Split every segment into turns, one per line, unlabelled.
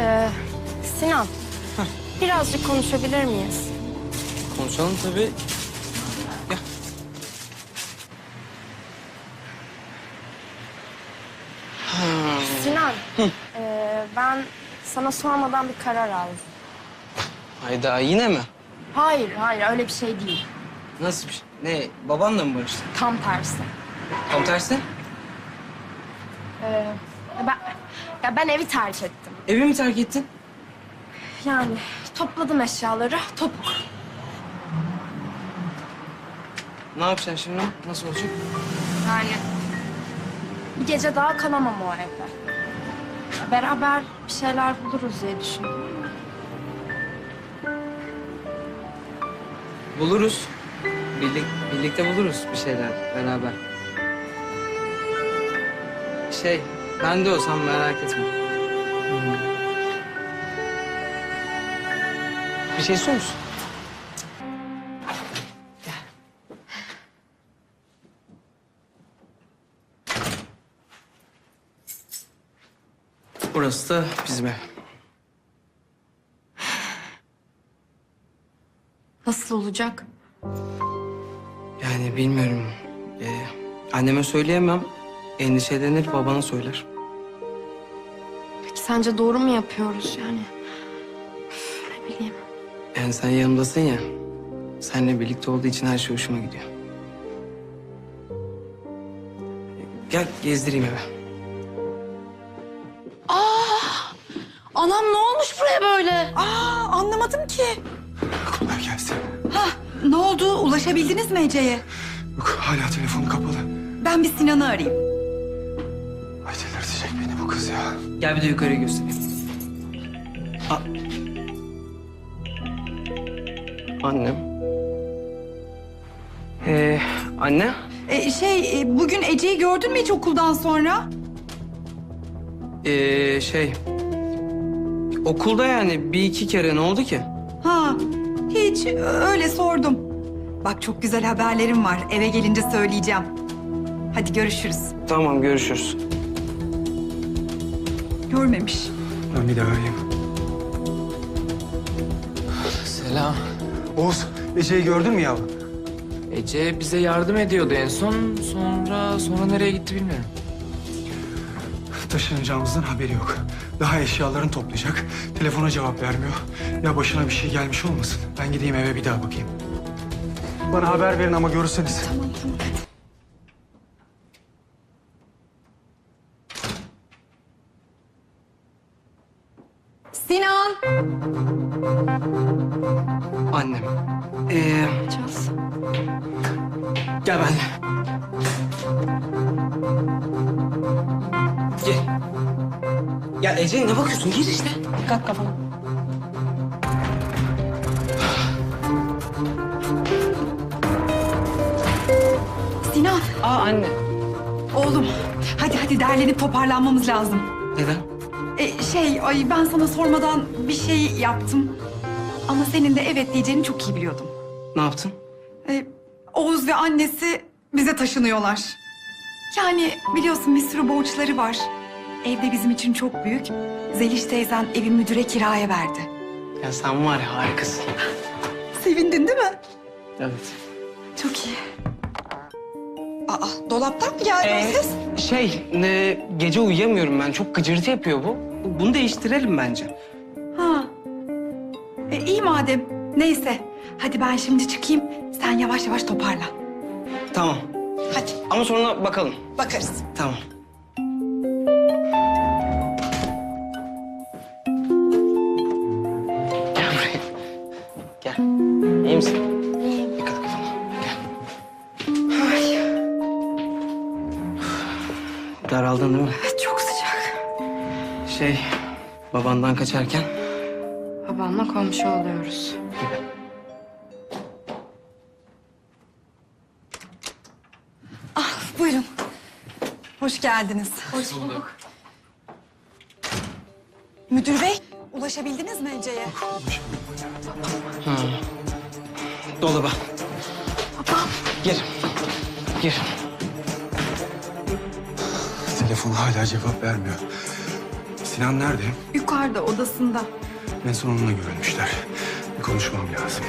Sinan, birazcık konuşabilir miyiz?
Konuşalım tabii. Gel.
Sinan, ben sana sormadan bir karar aldım.
Hayda yine mi?
Hayır, öyle bir şey değil.
Nasıl bir şey? Ne? Babanla mı barıştın?
Tam tersi.
Tam tersi.
Ben evi terk ettim.
Evi mi terk ettin?
Yani topladım eşyaları, topuk.
Ne yapacaksın şimdi? Nasıl olacak?
Yani bir gece daha kalamam o evde. Beraber bir şeyler buluruz diye düşündüm.
Buluruz. Birlikte buluruz bir şeyler beraber. Ben de olsam merak etme. Bir şey istiyor musun? Gel. Burası da bizim ev.
Nasıl olacak?
Yani bilmiyorum. Anneme söyleyemem. Endişelenir, babana söyler.
Peki sence doğru mu yapıyoruz yani? Ne bileyim.
Yani sen yanımdasın ya. Seninle birlikte olduğu için her şey hoşuma gidiyor. Gel gezdireyim eve.
Anam ne olmuş buraya böyle?
Anlamadım ki.
Kolay gelsin.
Ne oldu? Ulaşabildiniz mi Ece'ye?
Yok hala telefonu kapalı.
Ben bir Sinan'ı arayayım.
Ay delirtecek beni bu kız ya.
Gel bir de yukarıyı göstereyim. Annem. Anne.
Bugün Ece'yi gördün mü hiç okuldan sonra?
Okulda yani bir iki kere ne oldu ki?
Ha, hiç öyle sordum. Bak çok güzel haberlerim var. Eve gelince söyleyeceğim. Hadi görüşürüz.
Tamam görüşürüz.
Görmemiş.
Ben bir daha arayayım.
Selam.
Oğuz, Ece'yi gördün mü yavrum?
Ece bize yardım ediyordu en son. Sonra nereye gitti bilmiyorum.
Taşınacağımızdan haberi yok. Daha eşyalarını toplayacak. Telefona cevap vermiyor. Ya başına bir şey gelmiş olmasın. Ben gideyim eve bir daha bakayım. Bana haber verin ama görürseniz.
Tamam hadi. Sinan!
Annem.
Çaz.
Gel benimle. Gel. Ya Ece ne bakıyorsun? Gir işte.
Kalk kafana.
Sinan!
Anne.
Oğlum hadi derlenip toparlanmamız lazım.
Neden?
Ben sana sormadan bir şey yaptım. Ama senin de evet diyeceğini çok iyi biliyordum.
Ne yaptın?
Oğuz ve annesi bize taşınıyorlar. Yani biliyorsun bir sürü borçları var. Evde bizim için çok büyük. Zeliş teyzen evi müdüre kiraya verdi.
Ya sen var ya harikasın.
Sevindin değil mi?
Evet.
Çok iyi. Dolaptan mı geldi o ses?
Gece uyuyamıyorum ben. Çok gıcırtı yapıyor bu. Bunu değiştirelim bence.
Ha. İyi madem. Neyse. Hadi ben şimdi çıkayım. Sen yavaş yavaş toparlan.
Tamam.
Hadi
Ama sonra bakalım.
bakarız.
Tamam. Gel buraya. Gel. İyi misin?
İyiyim.
Dikkat et kafana. Gel. Daraldın değil mi?
Çok sıcak.
Babandan kaçarken
Babamla komşu oluyoruz.
Buyurun. Hoş geldiniz.
Hoş bulduk.
Müdür bey, ulaşabildiniz mi Ece'ye?
dolaba.
Babam.
Gir. Gir.
Telefon hala cevap vermiyor. Sinan nerede?
Yukarıda odasında.
En son onunla görülmüşler. Bir konuşmam lazım.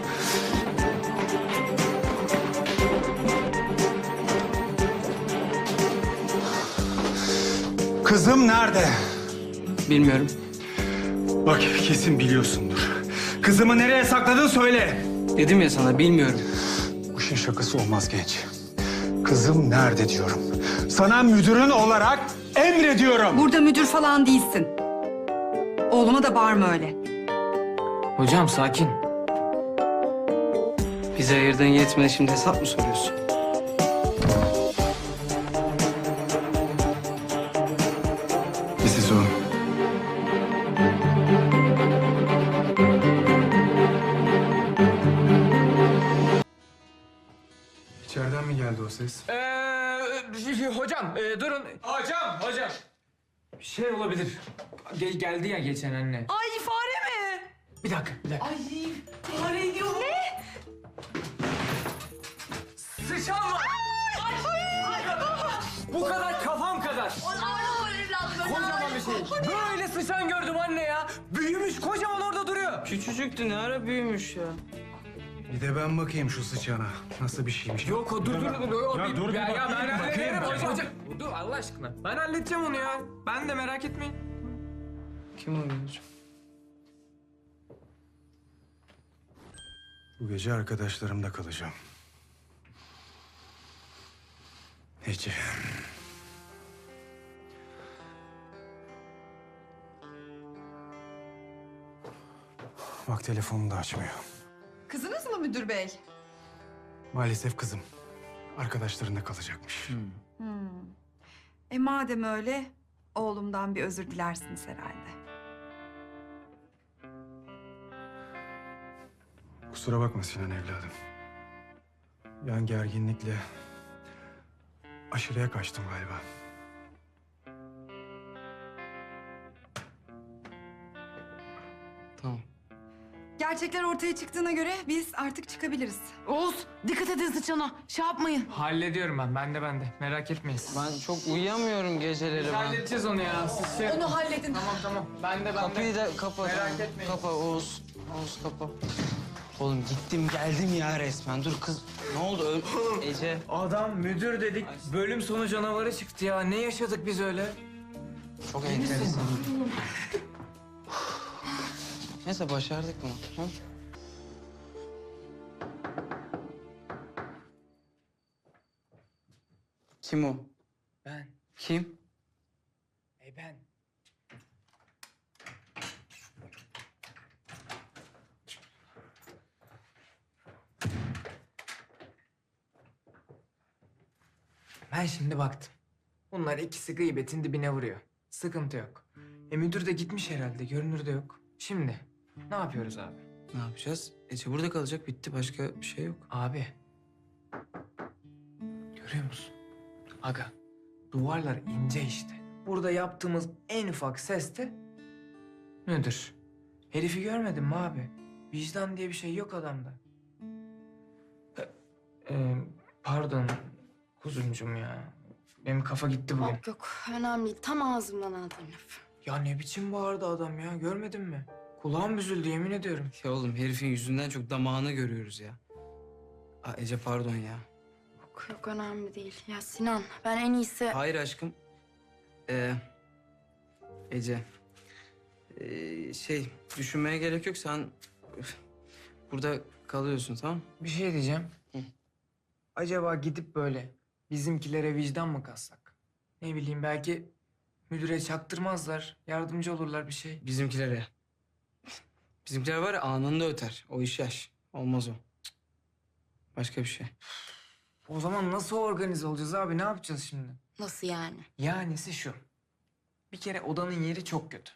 Kızım nerede?
Bilmiyorum.
Bak kesin biliyorsundur. Kızımı nereye sakladın söyle.
Dedim ya sana bilmiyorum.
Bu işin şakası olmaz genç. Kızım nerede diyorum. Sana müdürün olarak emrediyorum.
Burada müdür falan değilsin. Oğluma da bağırma öyle.
Hocam sakin.
Bize ayırdığın yetmedi, şimdi hesap mı soruyorsun?
Siz o. İçeriden mi geldi o ses?
Hocam durun. Hocam. Şey olabilir. Geldi ya geçen anne.
Ay fare mi?
Bir dakika.
Ay fare diyor. Ne?
Sıçan var. Bu kadar kafam kadar. Kocaman bir şey. Böyle sıçan gördüm anne ya. Büyümüş kocaman orada duruyor.
Küçücüktü, ne ara büyümüş ya.
Bir de ben bakayım şu sıçana. Nasıl bir şeymiş?
Yok o dur.
Ya dur bir
ya
bakayım,
ben
bakayım.
hallederim hocam. Dur Allah aşkına. Ben halledeceğim onu ya. Ben de merak etmeyin.
Kim arıyor hocam?
Bu gece arkadaşlarımda kalacağım. Ece. Bak telefonunu da açmıyor.
Kızınız mı müdür bey?
Maalesef kızım. Arkadaşlarında kalacakmış.
Madem öyle oğlumdan bir özür dilersiniz herhalde.
Kusura bakma Sinan evladım. Ben gerginlikle aşırıya kaçtım galiba.
Tamam.
Gerçekler ortaya çıktığına göre biz artık çıkabiliriz.
Oğuz dikkat edin sıçana. Şey yapmayın.
Hallediyorum ben. Ben de. Merak etmeyin.
Ben çok uyuyamıyorum geceleri ben.
Halledeceğiz onu ya. Siz şey...
Onu halledin.
Tamam. Ben de.
Kapıyı da kapa.
Merak etmeyin.
Kapa Oğuz. Oğuz kapa. Oğlum gittim geldim ya resmen. Dur kız. Ne oldu? Ece.
Adam müdür dedik. Bölüm sonu canavarı çıktı ya. Ne yaşadık biz öyle?
Çok enteresan. Neyse başardık bunu. Hı? Kim o?
Ben.
Kim?
Ben. Ben şimdi baktım. Bunlar ikisi gıybetin dibine vuruyor. Sıkıntı yok. Müdür de gitmiş herhalde. Görünür de yok. Şimdi ne yapıyoruz abi?
Ne yapacağız? Ece burada kalacak, bitti. Başka bir şey yok.
Abi. Görüyor musun? Aga. Duvarlar ince işte. Burada yaptığımız en ufak ses de müdür. Herifi görmedin mi abi? Vicdan diye bir şey yok adamda. Pardon kuzuncum ya. Benim kafa gitti bugün.
Yok önemli değil. Tam ağzımdan aldın lafı.
Ya ne biçim bağırdı adam ya, görmedin mi? Kulağım büzüldü yemin ediyorum.
Ya oğlum herifin yüzünden çok damağını görüyoruz ya. Aa, Ece pardon ya.
Yok önemli değil. Ya Sinan ben en iyisi...
Hayır aşkım. Ece. Düşünmeye gerek yok. Sen burada kalıyorsun, tamam?
Bir şey diyeceğim.
Hı.
Acaba gidip böyle bizimkilere vicdan mı kassak? Ne bileyim belki müdüre çaktırmazlar, yardımcı olurlar bir şey.
Bizimkilere. Bizimkiler var ya anında öter. O iş yaş. Olmaz o. Cık. Başka bir şey.
O zaman nasıl organize olacağız abi? Ne yapacağız şimdi?
Nasıl yani?
Yanisi şu. Bir kere odanın yeri çok kötü.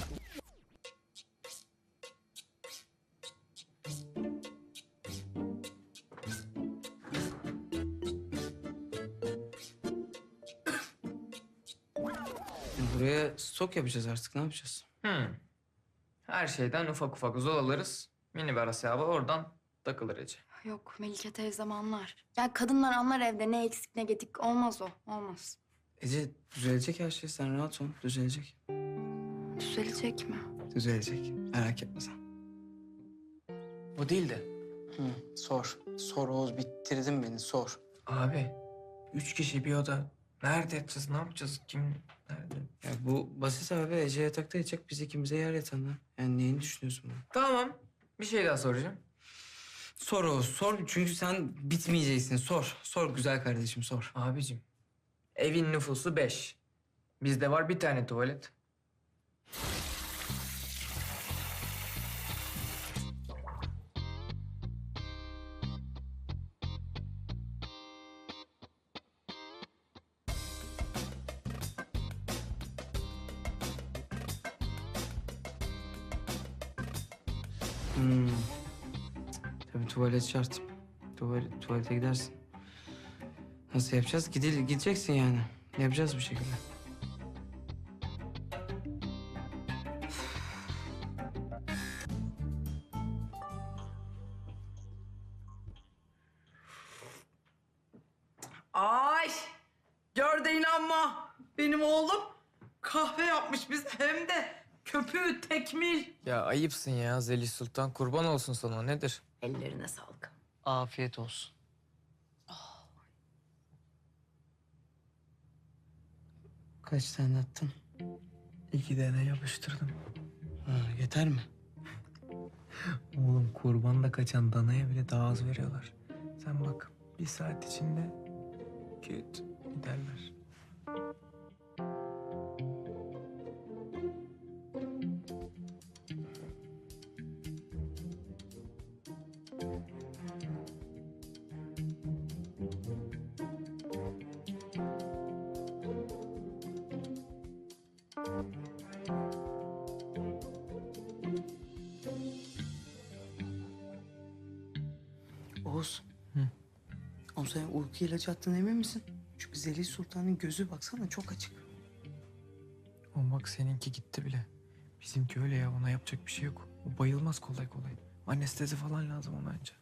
Buraya stok yapacağız artık. Ne yapacağız?
Her şeyden ufak ufak zol alırız. Minibar hesabı oradan takılır Ece.
Yok Melike teyzem anlar. Ya kadınlar anlar evde ne eksik ne gedik. Olmaz o. Olmaz.
Ece düzelecek her şey. Sen rahat ol. Düzelecek.
Düzelecek mi?
Düzelecek. Merak etme sen.
O değil de.
Sor. Sor Oğuz, bitirdin beni, sor.
Abi 3 kişi bir oda. Nerede yatacağız? Ne yapacağız? Kim nerede?
Ya bu basit abi. Ece yatakta yatacak, biz ikimize yer yatağında. Yani neyini düşünüyorsun bunu?
Tamam. Bir şey daha soracağım.
Sor Oğuz, sor. Çünkü sen bitmeyeceksin. Sor. Sor güzel kardeşim, sor.
Abicim, evin nüfusu 5. Bizde var bir tane tuvalet.
Tabii tuvalet şart. Tuvalete gidersin. Nasıl yapacağız? Gideceksin yani. Yapacağız bir şekilde.
Ay gör de inanma. Benim oğlum kahve yapmış bize hem de köpüğü tekmil.
Ya ayıpsın ya Zeliş Sultan. Kurban olsun sana. Nedir?
Ellerine sağlık.
Afiyet olsun. Kaç tane attın?
2 tane yapıştırdım.
Ha, yeter mi?
Oğlum kurbanda kaçan danaya bile daha az veriyorlar. Sen bak 1 saat içinde küt giderler.
Oğuz. Oğlum sen uyku ilacı attın, emin misin? Çünkü Zeliş Sultan'ın gözü baksana çok açık.
O bak seninki gitti bile. Bizimki öyle ya, ona yapacak bir şey yok. O bayılmaz kolay kolay. Anestezi falan lazım ona önce.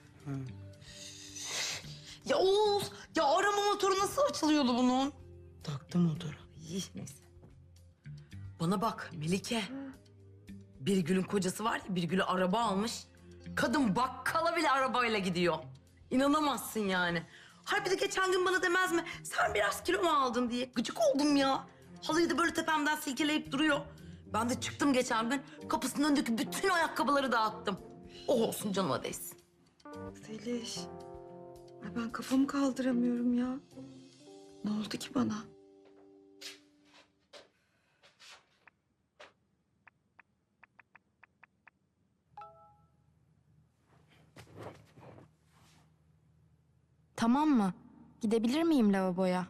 Ya Oğuz ya arama motoru nasıl açılıyordu bunun?
Taktım motoru.
İyi neyse. Bana bak Melike. Birgül'ün kocası var ya Birgül'e araba almış. Kadın bakkala bile arabayla gidiyor. İnanamazsın yani. Hayır bir de geçen gün bana demez mi? Sen biraz kilo mu aldın diye. Gıcık oldum ya. Halıyı da böyle tepemden silkeleyip duruyor. Ben de çıktım geçen gün. Kapısının önündeki bütün ayakkabıları dağıttım. Oh olsun canıma değsin.
Zeliş. Ay ben kafamı kaldıramıyorum ya. Ne oldu ki bana?
Tamam mı? Gidebilir miyim lavaboya?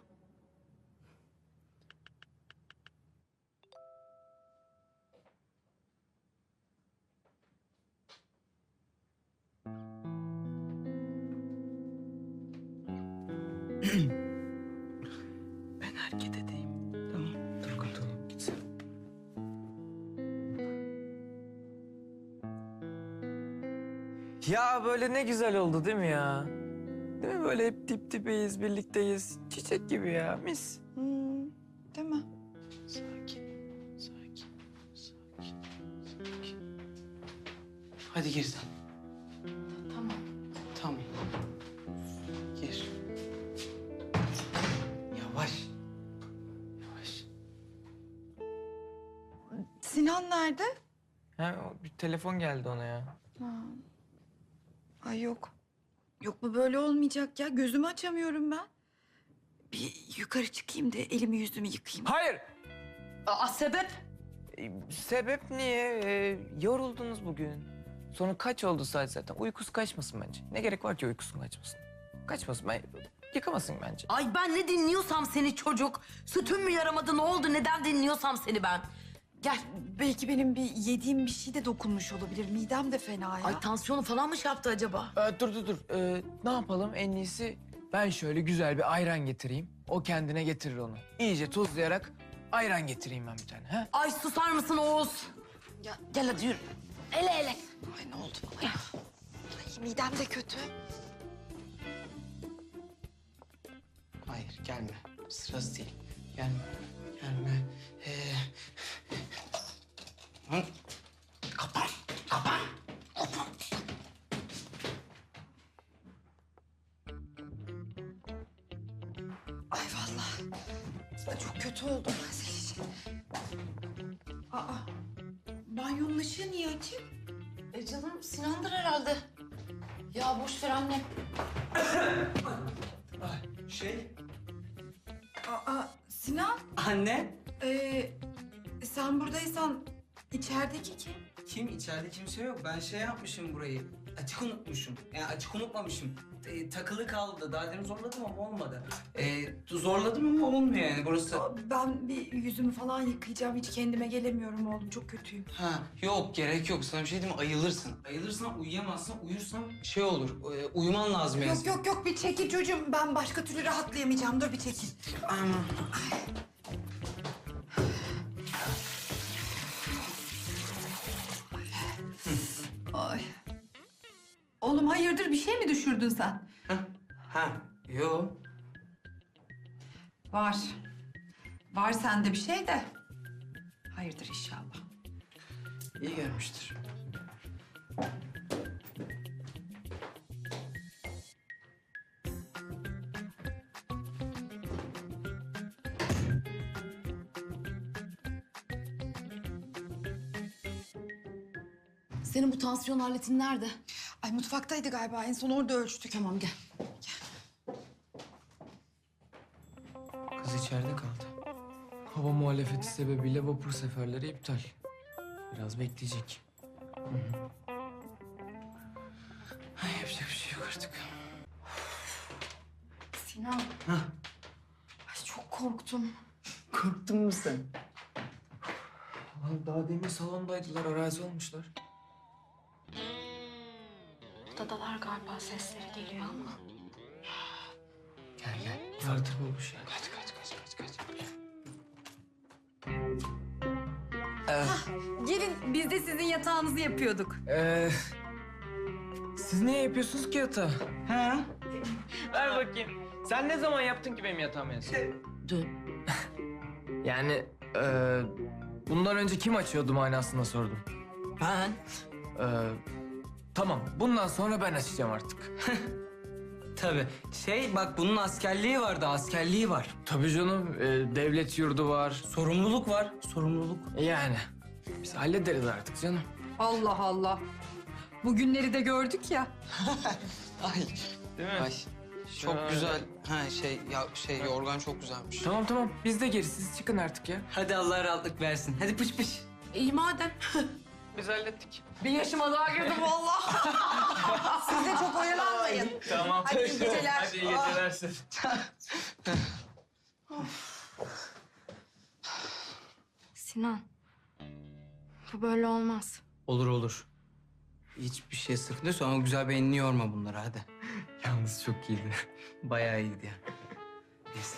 Ben hareket edeyim. Tamam. Dur kurtulalım, gitsin.
Ya böyle ne güzel oldu değil mi ya? Değil mi böyle hep dip dibeyiz, birlikteyiz. Çiçek gibi ya, mis.
Değil mi?
Sakin, sakin, sakin, sakin. Hadi gir sen.
Tamam.
Tamam. Gir. Yavaş. Yavaş.
Sinan nerede?
Ha, bir telefon geldi ona ya.
Ay yok. Yok bu böyle olmayacak ya. Gözümü açamıyorum ben. Bir yukarı çıkayım da elimi yüzümü yıkayayım.
Hayır!
Aa sebep?
Sebep niye? Yoruldunuz bugün. Sonra kaç oldu saat zaten? Uykusu kaçmasın bence. Ne gerek var ki uykusunun kaçmasın? Kaçmasın, yıkamasın bence.
Ay ben ne dinliyorsam seni çocuk. Sütün mü yaramadı ne oldu neden dinliyorsam seni ben. Gel.
Belki benim bir yediğim bir şey de dokunmuş olabilir. Midem de fena ya.
Ay tansiyonu falan mı şey yaptı acaba?
Dur. Ne yapalım? En iyisi ben şöyle güzel bir ayran getireyim. O kendine getirir onu. İyice tuzlayarak ayran getireyim ben bir tane. Ha?
Ay susar mısın Oğuz?
Ya-
Gel hadi yürü. Ele ele.
Ay ne oldu bana ya? Ay midem de kötü.
Hayır, gelme. Sırası değil. Gelme. Gelme.
kötü oldum. Zeliş. Aa, banyonun ışığı niye açık?
Canım Sinan'dır herhalde. Ya boş ver annem.
Aa, Sinan,
Anne?
sen buradaysan içerideki kim?
Kim? İçeride kimse yok. Ben şey yapmışım burayı. Açık unutmuşum. Yani açık unutmamışım. Takılı kaldı. Daha demin zorladım ama olmadı. Zorladım ama olmuyor yani burası.
Ben bir yüzümü falan yıkayacağım. Hiç kendime gelemiyorum oğlum. Çok kötüyüm.
Ha yok gerek yok. Sana bir şey diyeyim mi? Ayılırsın. Ayılırsan uyuyamazsın. Uyursan şey olur. Uyuman lazım yani.
Yok bir çekil çocuğum. Ben başka türlü rahatlayamayacağım. Dur bir çekil.
Aman.
Ay. Oğlum hayırdır bir şey mi düşürdün sen?
Ha yok.
Var. Var sende bir şey de. Hayırdır inşallah.
İyi gelmiştir.
Senin bu tansiyon aletin nerede?
Ay mutfaktaydı galiba. En son orada ölçtük.
Tamam gel.
Kız içeride kaldı.
Hava muhalefeti sebebiyle vapur seferleri iptal. Biraz bekleyecek.
Ay, yapacak bir şey yok artık.
Sinan.
Hah.
Ay çok korktum.
Korktun mu sen?
Lan daha demin salondaydılar, arazi olmuşlar.
Odadalar galiba, sesleri geliyor ama.
Gel.
Vardır olmuş yani.
Kaç.
Gelin biz de sizin yatağınızı yapıyorduk.
Siz niye yapıyorsunuz ki yatağı?
Ha?
Ver bakayım. Sen ne zaman yaptın ki benim yatağımı en son?
Dün.
Yani bundan önce kim açıyordu manasında sordum.
Ben.
Tamam, bundan sonra ben açacağım artık.
Tabii. Bak bunun askerliği var.
Tabii canım, devlet yurdu var.
Sorumluluk var.
Yani biz hallederiz artık canım.
Allah Allah. Bugünleri de gördük ya.
Ay.
Değil mi?
Ay. Çok
Şöyle.
güzel. Yorgan çok güzelmiş.
Tamam, biz de geri, siz çıkın artık ya.
Hadi Allah rahatlık versin. Hadi pış.
İyi madem.
Biz hallettik.
Bir yaşıma daha girdim vallahi.
Siz de çok oyalanmayın.
Tamam.
Hadi iyi geceler.
Hadi iyi geceler size.
Sinan. Bu böyle olmaz.
Olur. Hiçbir şey sıkıntı yok. Sonra güzel beynini yorma bunları hadi.
Yalnız çok iyiydi.
Bayağı iyiydi yani. Neyse.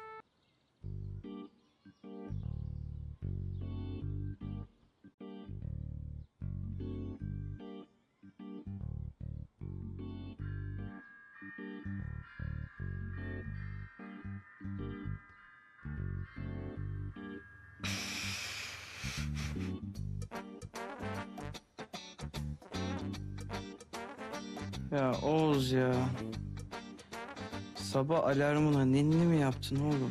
Ya Oğuz ya. Sabah alarmına ninni mi yaptın oğlum?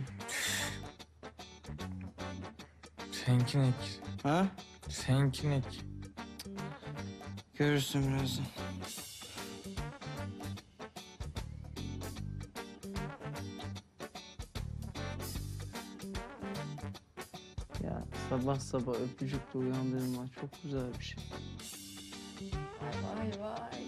Senkinek.
Ha?
Senkinek.
Görürsün birazdan. Ya sabah sabah öpücükle uyandırma çok güzel bir şey.
Vay.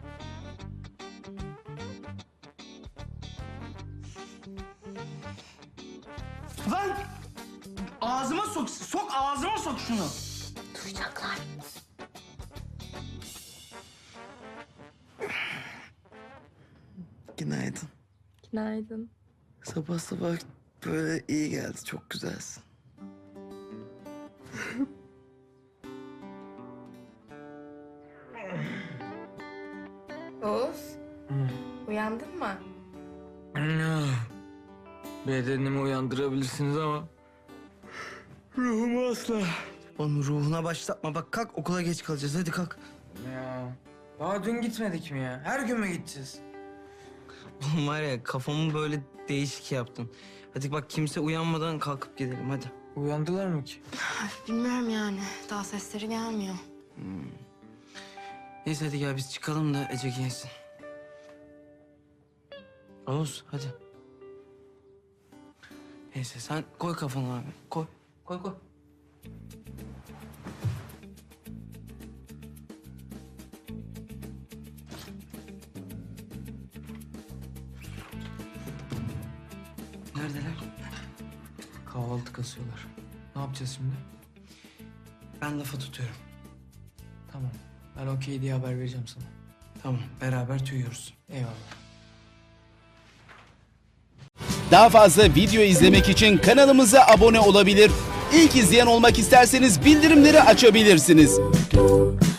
Lan! Ağzıma sok ağzıma sok şunu.
Duyacaklar.
Günaydın.
Günaydın.
Sabah sabah böyle iyi geldi. Çok güzelsin.
Oğuz. Uyandın mı?
Bedenimi uyandırabilirsiniz ama
Ruhumu asla. Oğlum ruhuna başlatma. Bak kalk okula geç kalacağız. Hadi kalk.
ya daha dün gitmedik mi ya? Her gün mü gideceğiz?
Oğlum var ya kafamı böyle değişik yaptın. Hadi bak kimse uyanmadan kalkıp gidelim hadi.
Uyandılar mı ki?
Bilmiyorum yani. Daha sesleri gelmiyor.
Neyse hadi gel biz çıkalım da Ece giyinsin. Oğuz hadi. Neyse sen koy kafanı abi. Koy. Koy koy. Neredeler?
Kahvaltı kasıyorlar. Ne yapacağız şimdi?
Ben lafa tutuyorum.
Tamam. Ben okey diye haber vereceğim sana.
Tamam beraber tüyüyoruz.
Eyvallah.
Daha fazla video izlemek için kanalımıza abone olabilir. İlk izleyen olmak isterseniz bildirimleri açabilirsiniz.